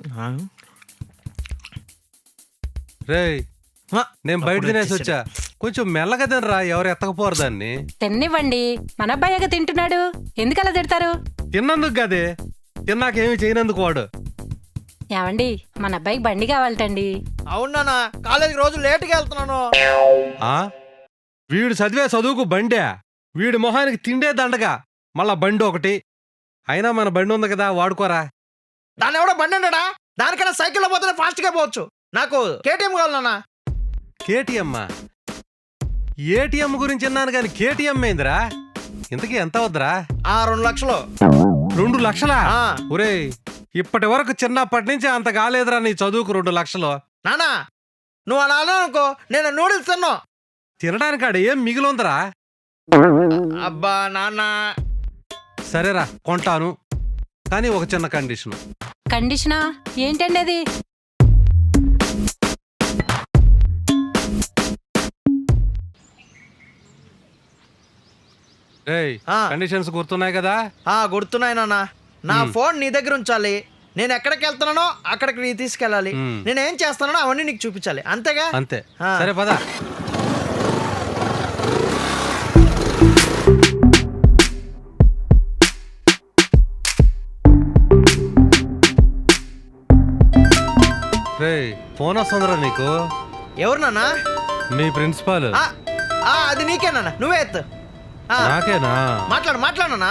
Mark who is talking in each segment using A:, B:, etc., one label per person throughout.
A: రేయ్ నేను బయట తినేసి వచ్చా, కొంచెం మెల్లగా తినరా, ఎవరు ఎత్తకపోరు దాన్ని.
B: తిన్నివ్వండి, మన అబ్బాయిగా తింటున్నాడు, ఎందుకు అలా తిడతారు?
A: తిన్నందుకు కదే, తిన్నాకేమి చేయనందుకు వాడు.
B: ఏమండి, మన అబ్బాయికి బండి కావాలటండి.
C: అవునా, కాలేజీకి రోజు లేటుగా వెళ్తున్నాను.
A: వీడు చదివే చదువుకు బండే, వీడి మొహానికి తిండే దండగా, మళ్ళా బండి ఒకటి. అయినా మన బండి ఉంది కదా, వాడుకోరా.
C: దాన్ని ఎవడో బండి అన్నాడా? దానికన్నా సైకిల్లో పోతే ఫాస్ట్ గా పోవచ్చు. నాకు కేటీఎం కావాలన్నా.
A: కేటీఎం? ఏటీఎం గురించి విన్నాను కానీ కేటీఎం ఏందిరా? ఇంతకీ ఎంత వద్దురా?
C: 2 లక్షలు.
A: 2 లక్షలా? ఒరేయ్, ఇప్పటి వరకు చిన్నప్పటి నుంచి అంత కాలేదురా నీ చదువుకు 2 లక్షలు.
C: నానా, నువ్వు అలా అనుకో, నేను నూడిల్స్ తిన్నా.
A: తినడానికి ఆడ ఏం మిగిలిందరా?
C: అబ్బా నాన్న.
A: సరేరా, కొంటాను, కానీ ఒక చిన్న కండిషన్.
B: కండిషనా ఏంటండి అది?
A: కండిషన్స్ గుర్తున్నాయి కదా?
C: గుర్తున్నాయి నాన్న. నా ఫోన్ నీ దగ్గర ఉంచాలి, నేను ఎక్కడికి వెళ్తున్నానో అక్కడికి నీ తీసుకెళ్ళాలి, నేనేం చేస్తున్నానో అవన్నీ నీకు చూపించాలి, అంతేగా?
A: అంతే. సరే పద. ఫోన్ వస్తుందిరా నీకు.
C: ఎవరు నాన్న?
A: మీ ప్రిన్సిపాల్.
C: అది నీకేనా? నువ్వే ఎత్తు.
A: నాకేనా?
C: మాట్లాడు.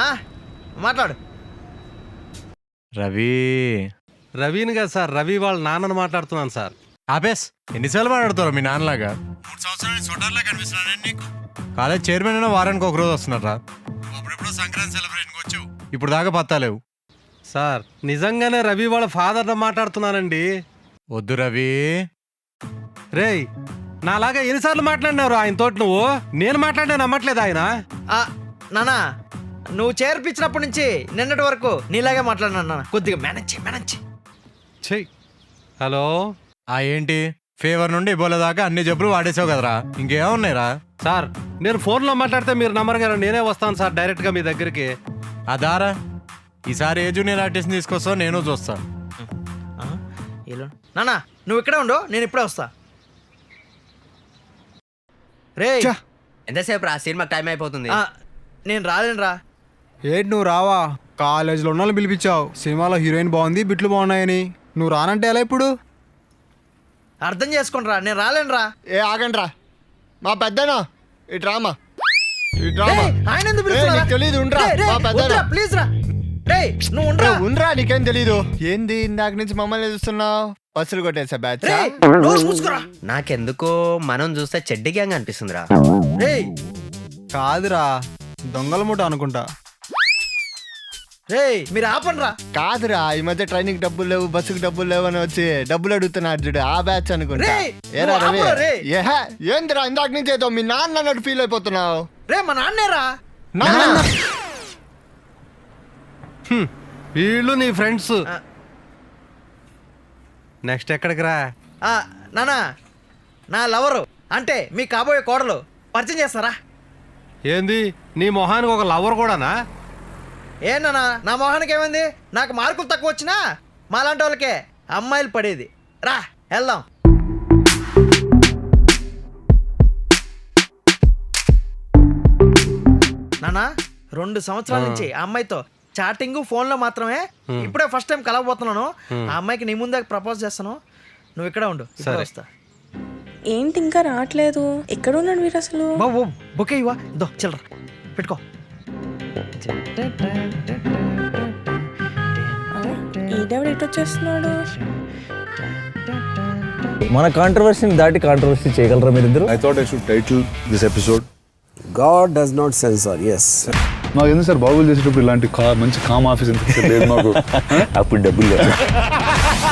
A: రవిని కదా సార్, రవి వాళ్ళ నాన్నని మాట్లాడుతున్నాను సార్.
D: ఆపేస్, ఎన్నిసార్లు మాట్లాడుతారు మీ నాన్నలాగా? 3 సంవత్సరాలు స్వెటర్లా కనిపిస్తున్నాను నీకు. కాలేజ్ చైర్మన్ అయినా వారానికి ఒక రోజు వస్తున్నారా? అప్పుడెప్పుడు సంక్రాంతి సెలబ్రేషన్కి వచ్చావు, ఇప్పుడు దాకా పత్తాలేవు.
A: సార్ నిజంగానే రవి వాళ్ళ ఫాదర్ని మాట్లాడుతున్నానండి.
D: వద్దు రవి.
A: రేయ్, నాలాగా ఎన్నిసార్లు మాట్లాడినారు ఆయన తోటి నువ్వు? నేను మాట్లాడినా నమ్మట్లేదు ఆయన.
C: నానా, నువ్వు చేర్పించినప్పటి నుంచి నిన్నటి వరకు నీలాగే మాట్లాడినా. కొద్దిగా మేనేజ్
A: చెయ్. హలో.
D: ఏంటి, ఫీవర్ నుండి ఇబోలా దాకా అన్ని జబ్బులు వాడేసావు కదరా, ఇంకేమున్నాయిరా?
A: సార్ నేను ఫోన్లో మాట్లాడితే మీరు నమ్మరు కదా, నేనే వస్తాను సార్ డైరెక్ట్గా మీ దగ్గరికి.
D: అదారా, ఈసారి ఏ జూనియర్ ఆర్టిస్ట్ తీసుకొస్తావు నేను చూస్తా.
C: నానా, నువ్వు ఇక్కడే ఉండు, నేను ఇప్పుడే వస్తా. రే,
E: ఎంతసేపు రా, సినిమాకి టైం అయిపోతుంది.
C: నేను రాలేనురా.
F: ఏంటి నువ్వు రావా? కాలేజీలో ఉన్న వాళ్ళని పిలిపించావు, సినిమాలో హీరోయిన్ బాగుంది, బిట్లు బాగున్నాయని. నువ్వు రానంటే ఎలా ఇప్పుడు?
C: అర్థం చేసుకోండి రా, నేను రాలేనురా.
F: ఆగండి రా, మా పెద్దనా ఈ డ్రామా
C: ఆయన ఎందుకు పిలుస్తున్నారా?
F: తెలీదు,
C: ప్లీజ్ రా. నువ్వు
F: ఉండరా, నీకేం తెలీదు. ఏంది ఇందాక నుంచి మమ్మల్ని చూస్తున్నావు? బస్సులు కొట్టేసా బ్యాచ్.
E: నాకెందుకో మనం చూస్తే చెడ్డి గ్యాంగ్ అనిపిస్తుందిరా.
F: కాదురా, దొంగల మూట అనుకుంటా.
C: మీరు ఆపండి రా.
F: కాదురా, ఈ మధ్య ట్రైన్కి డబ్బులు లేవు, బస్సుకి డబ్బులు లేవు అని వచ్చి డబ్బులు అడుగుతున్నారు చూడు, ఆ బ్యాచ్ అనుకుంటా. ఏందిరా ఇందాక నుంచి ఏదో మీ నాన్న అన్నట్టు ఫీల్ అయిపోతున్నావు?
C: మా నాన్నేరా.
A: వీళ్ళు నీ ఫ్రెండ్స్. నెక్స్ట్ ఎక్కడికి రా?
C: నానా, నా లవరు అంటే మీ కాబోయే కోడలు పరిచయం చేస్తారా?
A: ఏంది, నీ మొహానికి ఒక లవర్ కూడానా?
C: నానా, నా మొహానికి ఏమైంది? నాకు మార్కులు తక్కువ వచ్చినా మాలాంటి వాళ్ళకే అమ్మాయిలు పడేది. రా వెళ్దాం. నానా, 2 సంవత్సరాల నుంచి ఆ అమ్మాయితో చాటింగ్ ఫోన్ లో మాత్రమే. ఇప్పుడే ఫస్ట్ టైం కలవబోతున్నాను. ఆ అమ్మాయికి నీ ముందే ప్రపోజ్ చేస్తాను, నువ్వు ఇక్కడే ఉండు. వస్తా.
G: ఏంటి ఇంకా రావట్లేదు? ఎక్కడ ఉన్నాడు వీరు అసలు?
C: బొకే ఇవ్వా, దో చిల్లర పెట్టుకో.
G: ఈడెవడు ఎటు వచ్చేస్తున్నాడు?
H: మన కాంట్రవర్సీని దాటి కాంట్రవర్సీ చేయగలరా మీరిద్దరు?
I: I thought I should title this episode
H: God does not censor. Yes.
I: నాకు ఎందుకు సార్ బాబులు చేసేటప్పుడు ఇలాంటి మంచి కామ్ ఆఫీస్ ఎందుకు లేదు మాకు?
H: అప్పుడు డబ్బులు లేదు.